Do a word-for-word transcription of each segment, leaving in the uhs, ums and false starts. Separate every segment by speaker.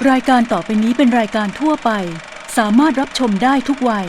Speaker 1: รายการต่อไปนี้เป็นรายการทั่วไปสามารถรับชมได้ทุกวัย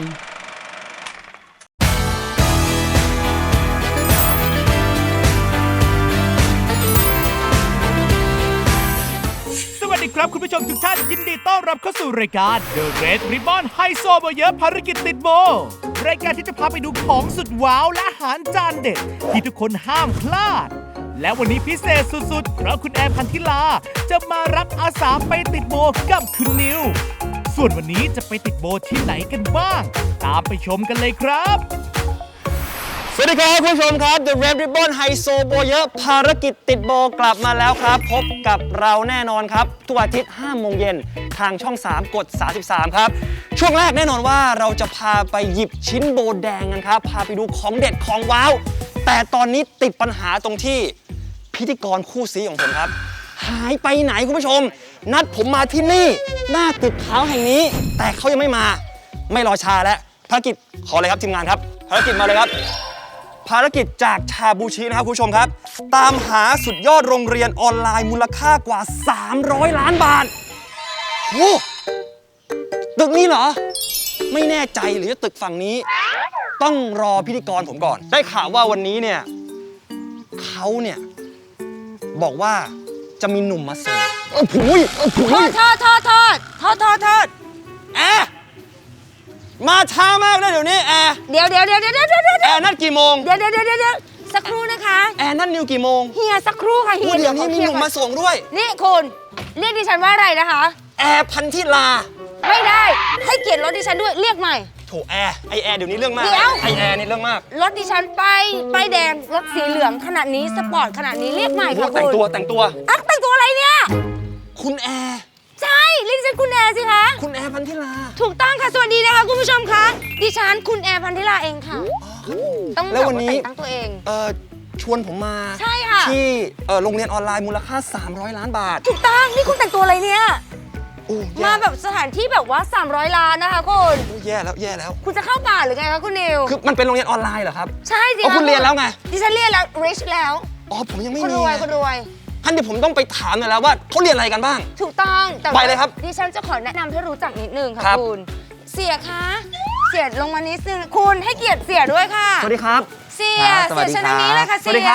Speaker 2: สวัสดีครับคุณผู้ชมทุกท่านยินดีต้อนรับเข้าสู่รายการ The Red Ribbon ไฮโซโบเยอะภารกิจติดโบรายการที่จะพาไปดูของสุดว้าวและอาหารจานเด็ดที่ทุกคนห้ามพลาดและวันนี้พิเศษสุดๆเพราะคุณแอร์พันธิลาจะมารับอาสาไปติดโบกับคุณนิวส่วนวันนี้จะไปติดโบที่ไหนกันบ้างตามไปชมกันเลยครับ
Speaker 3: สวัสดีครับคุณผู้ชมครับ The Red Ribbon ไฮโซโบเยอะภารกิจติดโบกลับมาแล้วครับพบกับเราแน่นอนครับทุกอาทิตย์ห้าโมงเย็นทางช่องสามกดสามสิบสามครับช่วงแรกแน่นอนว่าเราจะพาไปหยิบชิ้นโบแดงกันครับพาไปดูของเด็ดของว้าวแต่ตอนนี้ติดปัญหาตรงที่พิธีกรคู่ซีของผมครับหายไปไหนคุณผู้ชมนัดผมมาที่นี่หน้าตึกขาวแห่งนี้แต่เขายังไม่มาไม่รอช้าแล้วภารกิจขอเลยครับทีมงานครับภารกิจมาเลยครับภารกิจจากชาบูชินะครับคุณผู้ชมครับตามหาสุดยอดโรงเรียนออนไลน์มูลค่ากว่าสามร้อยล้านบาทโอ้ตึกนี้เหรอไม่แน่ใจหรือจะตึกฝั่งนี้ต้องรอพิธีกรผมก่อนได้ข่าวว่าวันนี้เนี่ยเขาเนี่ยบอกว่าจะมีหนุ่มมาเสิร์ฟเออผุยเออผุย
Speaker 4: โทษโทษโทษโทษโทษโทษ
Speaker 3: แอร์มาช้ามากเลยเดี๋ยวนี้แอร์
Speaker 4: เดี๋ยวเดี๋ยวเดี๋ยวเดี๋ยวเดี๋ยวเดี๋ยว
Speaker 3: แอร์นัดกี่โมง
Speaker 4: เดี๋ยวเดี๋ยวเดี๋ยวเดี๋ยวสักครู่นะคะ
Speaker 3: แอร์นัดนิวกี่โมง
Speaker 4: เฮียสักครู่ค่ะเฮี
Speaker 3: พู
Speaker 4: ย
Speaker 3: ดเดี๋ยวนี้มีหนุ่มมาส่งด้วย
Speaker 4: นี่คุณเรียกดิฉันว่าอะไรนะคะ
Speaker 3: แอร์พันธิลา
Speaker 4: ไม่ได้ให้เกียรติรถดิฉันด้วยเรียกใหม่
Speaker 3: โถแอร์ไอแอร์เดี๋ยวนี้เรื่องมาก
Speaker 4: เดี๋ยว
Speaker 3: ไอแอร์นี่เรื่องมาก
Speaker 4: รถดิฉันไปไปแดงรถสีเหลืองขนาดนี้สปอร์ตขนาดนี้เรียกใหม่
Speaker 3: โอ้
Speaker 4: ค่ะ
Speaker 3: แต่ง
Speaker 4: คุณ
Speaker 3: ตัวแต่งตัว
Speaker 4: อ่ะแต่งตัวอะไรเนี่ย
Speaker 3: คุณแอร์
Speaker 4: ใช่เรียกดิฉันคุณแอร์สิคะ
Speaker 3: คุณแอร์พันธิลา
Speaker 4: ถูกต้องค่ะสวัสดีนะคะคุณผู้ชมคะดิฉันคุณแอร์พันธิลาเองค่ะต้อง
Speaker 3: แล้ววันนี้
Speaker 4: แต่งตั้งตัวเอง
Speaker 3: เอ่อชวนผมมา
Speaker 4: ใช่ค่ะ
Speaker 3: ที่เอ่อโรงเรียนออนไลน์มูลค่าสามร้อยล้านบาท
Speaker 4: ถูกต้องนี่คุณแต่งตัวอะไรเนี่ย
Speaker 3: โอ้แย่
Speaker 4: มาแบบสถานที่แบบว่าสามร้อยล้านนะคะคุณ
Speaker 3: โอ้แย่แล้วแย่แล้ว
Speaker 4: คุณจะเข้าป่าหรือไงคะคุณนิว
Speaker 3: คือมันเป็นโรงเรียนออนไลน์เหรอครับ
Speaker 4: ใช่สิ
Speaker 3: อ๋อคุณเรียนแล้วไง
Speaker 4: ดิฉันเรียนแล้ว rich แล้ว
Speaker 3: อ๋อผมยังไม่
Speaker 4: คุณ
Speaker 3: มี
Speaker 4: รวย
Speaker 3: ไง
Speaker 4: คุณรวย
Speaker 3: ท่านเดี๋ยวผมต้องไปถามหน่อยแล้วว่าเขาเรียนอะไรกันบ้าง
Speaker 4: ถูกต้องแต่
Speaker 3: ไปเลยครับ
Speaker 4: ดิฉันจะขอแนะนำให้รู้จักนิดนึงค่ะ
Speaker 3: ครับ
Speaker 4: คุณเสียคะเสียลงมานิดนึงคุณให้เกียรติเสียด้วยค่ะ
Speaker 3: สวัสดีครับ
Speaker 4: เสีย
Speaker 3: ครับสวั
Speaker 4: เสี
Speaker 3: ส
Speaker 4: ย
Speaker 3: ดี
Speaker 4: ชนทางนี้เลยค่ะ
Speaker 3: สวัส
Speaker 4: เสี
Speaker 3: ดี
Speaker 4: ย
Speaker 3: ครับ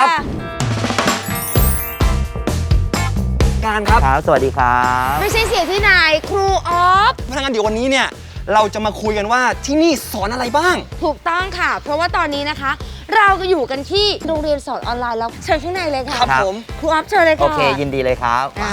Speaker 3: การครับ
Speaker 5: ครับ สวัสดีครับ
Speaker 4: ไม่ใช่เสียที่ไหนครูออฟ
Speaker 3: พนักงานเดี๋ยววันนี้เนี่ยเราจะมาคุยกันว่าที่นี่สอนอะไรบ้าง
Speaker 4: ถูกต้องค่ะ เพราะว่าตอนนี้นะคะ เราก็อยู่กันที่โรงเรียนสอนออนไลน์แล้วเชิญข้างในเลยค่ะ
Speaker 3: ครับผม
Speaker 4: ครูออฟเชิญเลย
Speaker 5: โอ
Speaker 4: ค่ะ
Speaker 5: เค ยินดีเลยครับ
Speaker 4: อ่า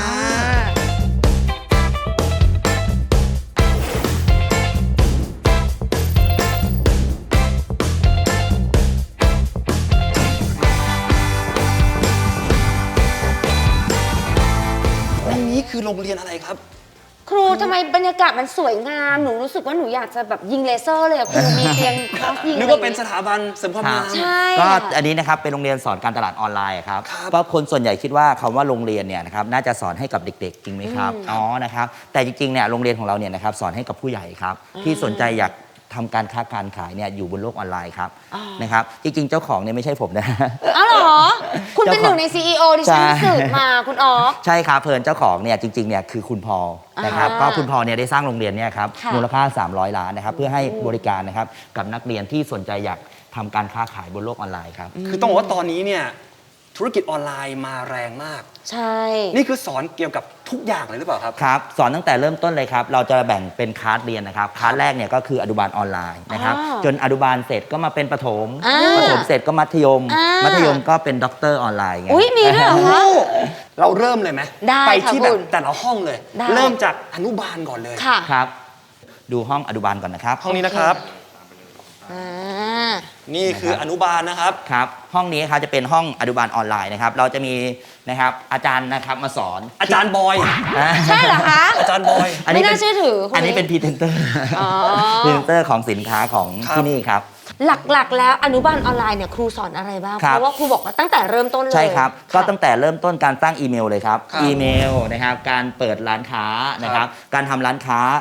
Speaker 3: อันนี้คือโรงเรียนอะไรครับ
Speaker 4: ครูทำไมบรรยากาศมันสวยงาม หนูรู้สึกว่าหนูอยากจะแบบยิงเลเซอร์เลยอะครูมีเตียงคลาสยิง
Speaker 3: นึกว่าเป็นสถาบันเสริมความงาม
Speaker 4: ใช่
Speaker 5: ก็
Speaker 4: ค่ะ
Speaker 5: อันนี้นะครับเป็นโรงเรียนสอนการตลาดออนไลน์ครับ
Speaker 3: ครับ
Speaker 5: ก็คนส่วนใหญ่คิดว่าคำว่าโรงเรียนเนี่ยนะครับน่าจะสอนให้กับเด็กๆ จริงไหมครับ อ๋อ นะครับ แต่จริงๆ เนี่ยโรงเรียนของเราเนี่ยนะครับสอนให้กับผู้ใหญ่ครับที่สนใจอยากทำการค้าการขายเนี่ยอยู่บนโลกออนไลน์ครับนะครับ จริงๆ เจ้าของเนี่ยไม่ใช่ผมนะ
Speaker 4: อ้าวเหรอ คุณเป็น
Speaker 5: เจ้า
Speaker 4: ห
Speaker 5: ของ
Speaker 4: นึ่งใน ซี อี โอ ที่ฉัน
Speaker 5: ใช่
Speaker 4: สืบมาคุณออฟ
Speaker 5: ใช่ครับเพลินเจ้าของเนี่ยจริงๆ เนี่ยคือคุณพอลนะครับ
Speaker 4: อ่า
Speaker 5: ก็คุณพอลเนี่ยได้สร้างโรงเรียนเนี่ยครับ
Speaker 4: ค่ะ
Speaker 5: มูลค่า สามร้อย ล้านนะครับเพื่อให้บริการนะครับกับนักเรียนที่สนใจอยากทำการค้าขายบนโลกออนไลน์ครับ
Speaker 3: คือต้องบอกว่าตอนนี้เนี่ยธุรกิจออนไลน์มาแรงมาก
Speaker 4: ใช่
Speaker 3: นี่คือสอนเกี่ยวกับทุกอย่างเลยหรือเปล่าครับ
Speaker 5: ครับสอนตั้งแต่เริ่มต้นเลยครับ เราจะแบ่งเป็นคลาสเรียนนะครับคลาสแรกเนี่ยก็คืออนุบาลออนไลน์นะครับ
Speaker 4: อ่า
Speaker 5: จนอนุบาลเสร็จก็มาเป็นประถม
Speaker 4: อ่า
Speaker 5: ประถมเสร็จก็มัธยม
Speaker 4: อ่ามั
Speaker 5: มัธยมก็เป็นด็อกเตอร์ออนไลน์ไง
Speaker 4: อุ้ยมีด้วยเหรอคะ
Speaker 3: เราเริ่มเลยไหม
Speaker 4: ได้
Speaker 3: ไป
Speaker 4: ค่ะ
Speaker 3: ที่แบบ
Speaker 4: คุณ
Speaker 3: แต่ละห้องเลย
Speaker 4: ได้
Speaker 3: เริ่มจากอนุบาลก่อนเลย
Speaker 4: ค่ะ
Speaker 5: ครับ ดูห้องอนุบาลก่อนนะครับ
Speaker 3: ห้องนี้นะครับ
Speaker 4: อ่า
Speaker 3: นี่คืออนุบาลนะครับ
Speaker 5: ครับห้องนี้ครับจะเป็นห้องอนุบาลออนไลน์นะครับเราจะมีนะครับอาจารย์นะครับมาสอน
Speaker 3: อาจารย์บอย
Speaker 5: อ่า
Speaker 4: ใช่เหรอคะ
Speaker 3: อาจารย์บอย
Speaker 4: ไม่น่าเชื่อถือคนนี้
Speaker 5: อันนี้เป็นพรีเซนเตอร์
Speaker 4: อ๋อ
Speaker 5: พรีเซนเตอร์ของสินค้าของ
Speaker 3: ครับ
Speaker 5: ที่นี่ครับ
Speaker 4: หลักๆ แล้วอนุบาลออนไลน์เนี่ยครูสอนอะไรบ้าง
Speaker 5: ครับ
Speaker 4: เพราะว่าครูบอกว่าตั้งแต่เริ่มต้นเลย
Speaker 5: ใช่ครับ ก็
Speaker 4: ะ
Speaker 5: ตั้งแต่เริ่มต้นการตั้งอีเมลเลยครับ
Speaker 3: ครับ
Speaker 5: อีเมลนะครับ การเปิดร้านค้านะครับ การทำร้านค้า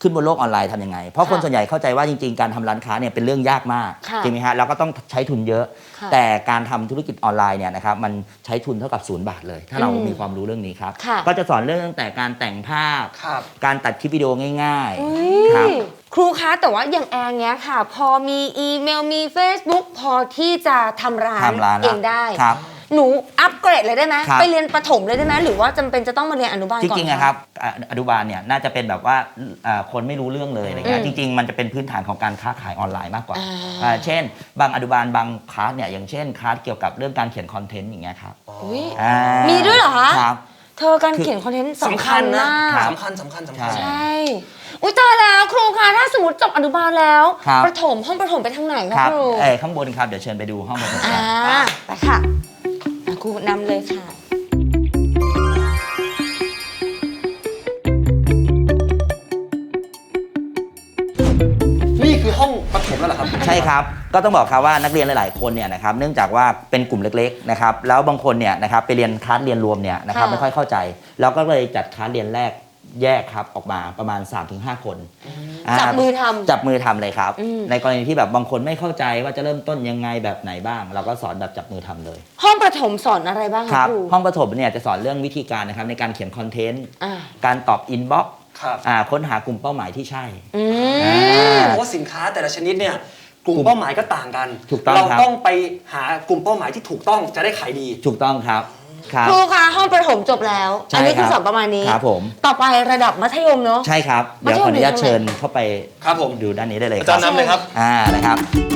Speaker 5: ขึ้นบนโลกออนไลน์ทำยังไง เพราะคน
Speaker 4: ค่ะ
Speaker 5: ส่วนใหญ่เข้าใจว่าจริงๆ การทำร้านค้าเนี่ยเป็นเรื่องยากมาก
Speaker 4: ค่ะ
Speaker 5: จริงไหมฮะแล้วก็ต้องใช้ทุนเยอะ
Speaker 4: ค่ะ
Speaker 5: แต่การทำธุรกิจออนไลน์เนี่ยนะครับมันใช้ทุนเท่ากับศูนย์บาทเลย ถ้าเรา
Speaker 4: อืม
Speaker 5: มีความรู้เรื่องนี้ครับ
Speaker 4: ค่ะ
Speaker 5: ก็จะสอนเรื่องตั้งแต่การแต่งภาพ
Speaker 3: ครับ
Speaker 5: การตัดคลิปวิดีโอง่าย
Speaker 4: อุ๊
Speaker 5: ๆครับ
Speaker 4: ยครูคะแต่ว่าอย่างแองเนี้ยค่ะ พอมีอีเมลมี Facebook พอที่จะทำร้าน
Speaker 5: ทำร้านละ
Speaker 4: เองได้
Speaker 5: ครับ
Speaker 4: หนูอัปเกรดเลยได้ไหม
Speaker 5: ครับ
Speaker 4: ไปเรียนประถมเลยได้ไหมหรือว่าจำเป็นจะต้องมาเรียนอนุบาล
Speaker 5: จ
Speaker 4: ก่อน
Speaker 5: ริงๆอะครับอ่ะอนุบาลเนี่ยน่าจะเป็นแบบว่าอ่าคนไม่รู้เรื่องเลยอะไรเงี้
Speaker 4: อื
Speaker 5: ย
Speaker 4: ม
Speaker 5: จริงๆ มันจะเป็นพื้นฐานของการค้าขายออนไลน์มากกว่า
Speaker 4: อ่า
Speaker 5: อ่าเช่น บางอนุบาลบางคลาสเนี่ยอย่างเช่นคลาสเกี่ยวกับเรื่องการเขียนคอนเทนต์อย่างเงี้ยครับ
Speaker 4: อุ๊ย
Speaker 5: อ่า
Speaker 4: มีด้วยเหรอคะ
Speaker 5: ครับ
Speaker 4: เธอการเขียนคอนเทนต์สำคัญ
Speaker 3: นะ
Speaker 4: มาก
Speaker 5: ครับ
Speaker 3: สำคัญสำคัญสำคัญ
Speaker 5: ใช่
Speaker 4: ใช่ อุ้ยตายแล้วครูคะถ้าสมมติจบอนุบาลแล้ว
Speaker 5: ครับ
Speaker 4: ประถมห้องประถมไปทางไหนคะ
Speaker 5: ครับ
Speaker 4: ครู
Speaker 5: เอ้ยข้างบนครับเดี๋ยวเชิญไปดูห้องประชุม
Speaker 4: อ่า
Speaker 5: กัน
Speaker 4: ไปค่ะอ่ะครูนำเลยค่ะ
Speaker 3: นี่คือห้องประถมแล้วเหรอครับ
Speaker 5: ใช่ครับ ก็ต้องบอกครับว่านักเรียนหลาย ๆ คนเนี่ยนะครับเนื่องจากว่าเป็นกลุ่มเล็ก ๆ นะครับแล้วบางคนเนี่ยนะครับไปเรียนคลาสเรียนรวมเนี่ยนะครับ
Speaker 4: ค่ะ
Speaker 5: ไม่ค่อยเข้าใจเราก็เลยจัดคลาสเรียนแรกแยกครับออกมาประมาณ สามถึงห้า คนอ่า
Speaker 4: จับมือทำ
Speaker 5: จับมือทำเลยครับ
Speaker 4: อืม
Speaker 5: ในกรณีที่แบบบางคนไม่เข้าใจว่าจะเริ่มต้นยังไงแบบไหนบ้าง เราก็สอนแบบจับมือทำเลย
Speaker 4: ห้องประถมสอนอะไรบ้าง
Speaker 5: ค
Speaker 4: คะ
Speaker 5: รับ
Speaker 4: ครู
Speaker 5: ห้องประถมเนี่ยจะสอนเรื่องวิธีการนะครับในการเขียนคอนเทนต์
Speaker 4: อ่า
Speaker 5: การตอบอินบ็อกซ์
Speaker 3: ครับ
Speaker 5: ค้นหากลุ่มเป้าหมายที่ใช่
Speaker 4: อื
Speaker 5: อ่า
Speaker 4: ม
Speaker 3: เพราะว่าสินค้าแต่ละชนิดเนี่ยกลุ่มเป้าหมายก็ต่างกัน
Speaker 5: ถูกต้อง
Speaker 3: เรา
Speaker 5: ครับ
Speaker 3: ต้องไปหากลุ่มเป้าหมายที่ถูกต้องจะได้ขายดี
Speaker 5: ถูกต้องครับครับ
Speaker 4: ครูคะห้องประถมจบแล้ว
Speaker 5: ใช่
Speaker 4: อันี้คือ
Speaker 5: ครับ
Speaker 4: สอนประมาณนี้
Speaker 5: ครับผม
Speaker 4: ต่อไประดับมัธยมเนาะ
Speaker 5: ใช่ครับ
Speaker 4: มัธ
Speaker 5: เดี๋ยวย
Speaker 4: ม
Speaker 5: ขออนุญาต
Speaker 4: อยู่ตรงไหน
Speaker 5: เชิญเข้าไป
Speaker 3: ครับผม
Speaker 5: ดูด้านนี้ได้เลย
Speaker 3: อา
Speaker 5: ค
Speaker 3: จา
Speaker 5: รั
Speaker 3: ร
Speaker 5: บ
Speaker 3: ย์นำเลยครับ
Speaker 5: อ่านะครับ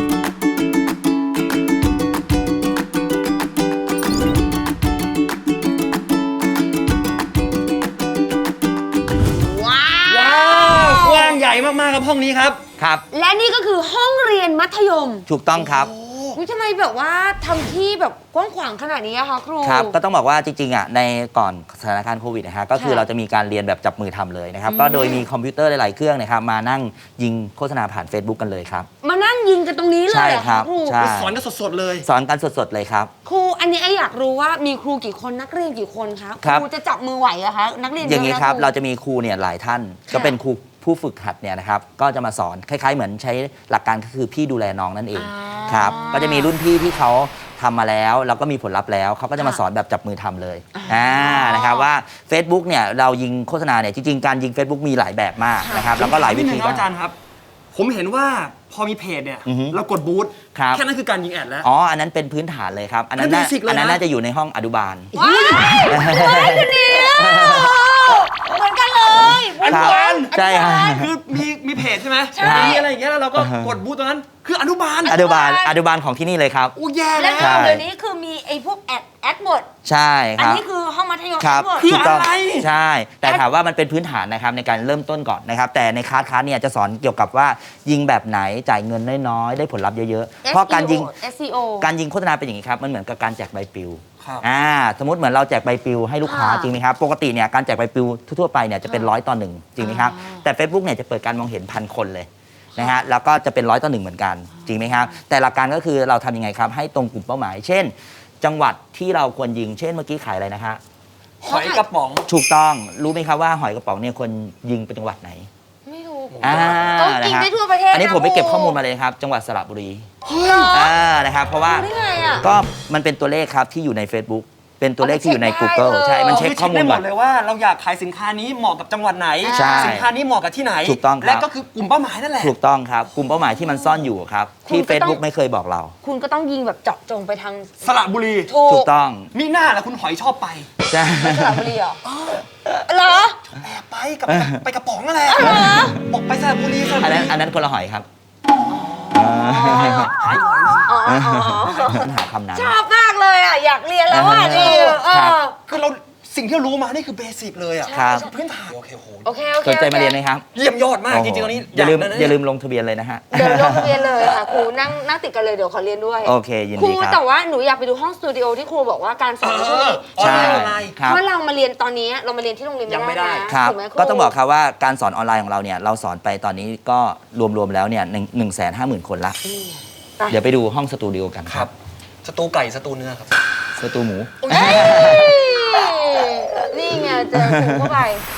Speaker 4: ว้า
Speaker 3: ว้าวกว้างใหญ่มากๆครับห้องนี้ครับ
Speaker 5: ครับ
Speaker 4: และนี่ก็คือห้องเรียนมัธยม
Speaker 5: ถูกต้องครับ
Speaker 4: อุ๊ยทำไมแบบว่าทำที่แบบกว้างขวางขนาดนี้อะคะครู
Speaker 5: ครับ ก็ต้องบอกว่าจริงๆอ่ะในก่อนสถานการณ์โควิดนะฮะก็คือ
Speaker 4: ค่ะ
Speaker 5: เราจะมีการเรียนแบบจับมือทำเลยนะครับ
Speaker 4: อืม
Speaker 5: ก็โดยมีคอมพิวเตอร์หลายๆเครื่องนะครับมานั่งยิงโฆษณาผ่าน Facebook กันเลยครับ
Speaker 4: มานั่งยิงกันตรงนี้เลย
Speaker 5: ใช่
Speaker 4: เหรอ
Speaker 5: ครั
Speaker 4: คะ
Speaker 5: บ
Speaker 4: ครู
Speaker 5: ใช่
Speaker 3: สอนกันสดๆเลย
Speaker 5: สอนกันสดๆเลยครับ
Speaker 4: ครูอันนี้ไออยากรู้ว่ามีครูกี่คนนักเรียนกี่คนคะ
Speaker 5: ครับ
Speaker 4: ครูจะจับมือไหวอะคะนักเรียน
Speaker 5: อย่างนี้
Speaker 4: เะะ
Speaker 5: ครับเราจะมีครูเนี่ยหลายท่าน
Speaker 4: ค่ะ
Speaker 5: ก็เป็นครูผู้ฝึกหัดเนี่ยนะครับก็จะมาสอนคล้ายๆ เหมือนใช้หลักการก็คือพี่ดูแลน้องนั่นเอง
Speaker 4: อ่า
Speaker 5: ครับก็จะมีรุ่นพี่ที่เขาทำมาแล้วแล้วก็มีผลลัพธ์แล้วเขาก็จะมา
Speaker 4: ค่ะ
Speaker 5: สอนแบบจับมือทำเลย
Speaker 4: อ่า
Speaker 5: อ่านะครับว่า Facebook เนี่ยเรายิงโฆษณาเนี่ยจริงๆการยิง Facebook มีหลายแบบมาก
Speaker 4: ค่ะ
Speaker 5: นะครับแล้วก็หลายวิธี
Speaker 3: นิดนึงนะอาจารย์ครับ ผมเห็นว่าพอมีเพจเนี่ย
Speaker 5: อือฮึ
Speaker 3: เรากดบูธ
Speaker 5: ครับ
Speaker 3: แค่นั้นคือการยิงแอดแล้ว
Speaker 5: อ๋ออันนั้นเป็นพื้นฐานเลยครับอันนั้นน่า
Speaker 3: อันนั้น basic เลยนะ
Speaker 5: อันนั้นน่าจะอยู่ในห้องอนุบาล
Speaker 4: ว้ายเฮ้ยคนนี้เหมือนกันเลย
Speaker 3: อนุบาล
Speaker 5: ใช่ครับ
Speaker 3: คือมีมีเพจใช่ไหม
Speaker 4: ใช่
Speaker 3: มีอะไรอย่างเงี้ยแล้วเราก็กดบูธตรงนั้น คืออนุบาล
Speaker 5: อนุบาลอนุบาลของที่นี่เลยครับ
Speaker 3: อู้แย่
Speaker 4: แล้
Speaker 3: แล้ว ว
Speaker 5: ใช่
Speaker 4: เดี๋ยวนี้คือมีไอ้พวกแอดแอดหมด
Speaker 5: ใช่
Speaker 4: อั
Speaker 5: ครับ
Speaker 4: นี้คือห้องมัธยม
Speaker 5: ครับ
Speaker 4: แอดหมด
Speaker 3: คือ
Speaker 5: ถูกต้อง
Speaker 3: อะไร
Speaker 5: ใช่ แต่ถามว่ามันเป็นพื้นฐานนะครับในการเริ่มต้นก่อนนะครับ แต่ในคลาสคลาสเนี่ยจะสอนเกี่ยวกับว่ายิงแบบไหนจ่ายเงินน้อยๆได้ผลลัพธ์เยอะๆ เพราะการยิง
Speaker 4: เอส ซี โอ
Speaker 5: การยิงโฆษณาเป็นอย่างนี้ครับมันเหมือนกับการแจกใบปลิว
Speaker 3: ครับ
Speaker 5: อ่าสมมติเหมือนเราแจกใบปลิวให้ลูกค้า
Speaker 4: ค่ะ
Speaker 5: จริงไหมครับปกติเนี่ยการแจกใบปลิวทั่วๆไปเนี่ยจะเป็นร้อยต่อหนึ่งจริงไหมครับ
Speaker 4: อ่า
Speaker 5: แต่ Facebook เนี่ยจะเปิดการมองเห็นพันคนเลยนะฮะแล้วก็จะเป็นร้อยต่อหนึ่งเหมือนกันจริงไหมครับแต่หลักการก็คือเราทำยังไงครับให้ตรงกลุ่มเป้าหมาย เช่น จังหวัดที่เราควรยิงเช่นเมื่อกี้ขายอะไรนะฮะ
Speaker 3: หอยกระป๋อง
Speaker 5: ถูกต้องรู้ไหมครับว่าหอยกระป๋องเนี่ยควรยิงเป็นจังหวัดไหน
Speaker 4: ไม่รู้
Speaker 5: อ่า
Speaker 4: ต้องกินได้ทั่วประเทศ
Speaker 5: อันนี้
Speaker 4: นะ
Speaker 5: ผมไปเก็บ
Speaker 4: ครู
Speaker 5: ข้อมูลมาเลยนะครับจังหวัดสระบุรี
Speaker 4: เหรอ
Speaker 5: อ่านะครับเพราะว่า
Speaker 4: รู้ได้ไงอะ
Speaker 5: ก็มันเป็นตัวเลขครับที่อยู่ใน Facebook เป็นตัวเลขที่อยู่ใน
Speaker 4: เอาไปเช็ค
Speaker 5: Google
Speaker 4: ได้เลย
Speaker 5: ใช่มันเช็คข้อมูล
Speaker 3: ได้หม
Speaker 5: ก่อ
Speaker 3: ด
Speaker 5: น
Speaker 3: เลยว่าเราอยากขายสินค้านี้เหมาะกับจังหวัดไหน
Speaker 5: ใช่
Speaker 3: สินค้านี้เหมาะกับที่ไหน
Speaker 5: ถูกต้องครับ
Speaker 3: และก็คือกลุ่มเป้าหมายนั่นแหละ
Speaker 5: ถูกต้องครับกลุ่มเป้าหมายที่มันซ่อนอยู่ครับที่
Speaker 4: คุณก็ต้อง
Speaker 5: Facebook ไม่เคยบอกเรา
Speaker 4: คุณก็ต้องยิงแบบเจาะจงไปทาง
Speaker 3: สระบุรี
Speaker 4: ถู
Speaker 5: ถู
Speaker 4: ก
Speaker 5: กต้อง
Speaker 3: มีหน้าแหละคุณหอยชอบไป
Speaker 5: ใช่
Speaker 4: สระบุรีเหรอเหรอ
Speaker 3: แอบไปกับไปกระป๋องนั่นแหละบอกไปสระบุรีสระ
Speaker 5: อั
Speaker 3: บุ
Speaker 5: น
Speaker 3: รี
Speaker 5: นั้นอันนั้นคนละหอยครับ
Speaker 3: หายหอยหนึ่ง
Speaker 4: อ๋ออ๋ออ๋อ
Speaker 5: ปัญหาคำนั้น
Speaker 4: ชอบมากเลยอ่ะ อยากเรียนแล้วอ่ะ
Speaker 5: เออ
Speaker 4: นี่เอ
Speaker 5: ครับ
Speaker 4: อ
Speaker 3: คือเราสิ่งที่เรารู้มานี่คือเบสิกเลยอ่ะ
Speaker 5: ครับ
Speaker 3: พื้นฐานโอเคโห
Speaker 4: โอเค โอเค
Speaker 5: สนใจมาเรียนไหมครับ
Speaker 3: เยี่ยมยอดมากจริงๆตอนนี้
Speaker 5: อย่าลืม
Speaker 3: ได้นะ
Speaker 5: อย่าลืมลงทะเบียนเลยนะฮะ
Speaker 4: เดี๋ยวลงเรียนเลยค่ะครูนั่งนั่งติดกันเลยเดี๋ยวขอเรียนด้วย
Speaker 5: โอเคยิน
Speaker 4: ครู
Speaker 5: ดีครับ
Speaker 4: แต่ว่าหนูอยากไปดูห้องสตูดิโอที่ครูบอกว่าการสอนในช่วงนี้
Speaker 3: ออนไลน์
Speaker 5: ใช่
Speaker 3: ออนไลน์
Speaker 5: ครับ
Speaker 4: เพราะเรามาเรียนตอนนี้เรามาเรียนที่โรงเรียน
Speaker 3: ยังไม่
Speaker 4: ไม่
Speaker 3: ได้
Speaker 4: ได้นะครับ ถูกไหมครู
Speaker 5: ก็ต้องบอกครับว่าการสอนออนไลน์ของเราเนี่ยเราสอนไปตอนนี้ก็รวมๆแล้วเนี่ยหนึ่งแสนห้าหมื่นคนละ
Speaker 4: ไป
Speaker 5: เดี๋ยวไปดูห้องสตูดิโอกัน
Speaker 3: ค
Speaker 5: ค
Speaker 3: รั
Speaker 5: รั
Speaker 3: บบ สตูไก่สตูเนื้อครับ
Speaker 5: สตูหมู
Speaker 4: เฮ้ยนี่ไงเจอครูเข้าไป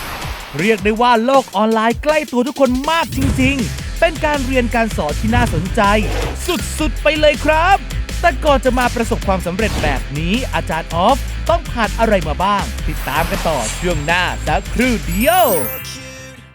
Speaker 2: เรียกได้ว่าโลกออนไลน์ใกล้ตัวทุกคนมากจริงๆ เป็นการเรียนการสอนที่น่าสนใจ สุดๆ ไปเลยครับ แต่ก่อนจะมาประสบความสำเร็จแบบนี้อาจารย์ออฟต้องผ่านอะไรมาบ้าง ติดตามกันต่อช่วงหน้าสักครู่เดียว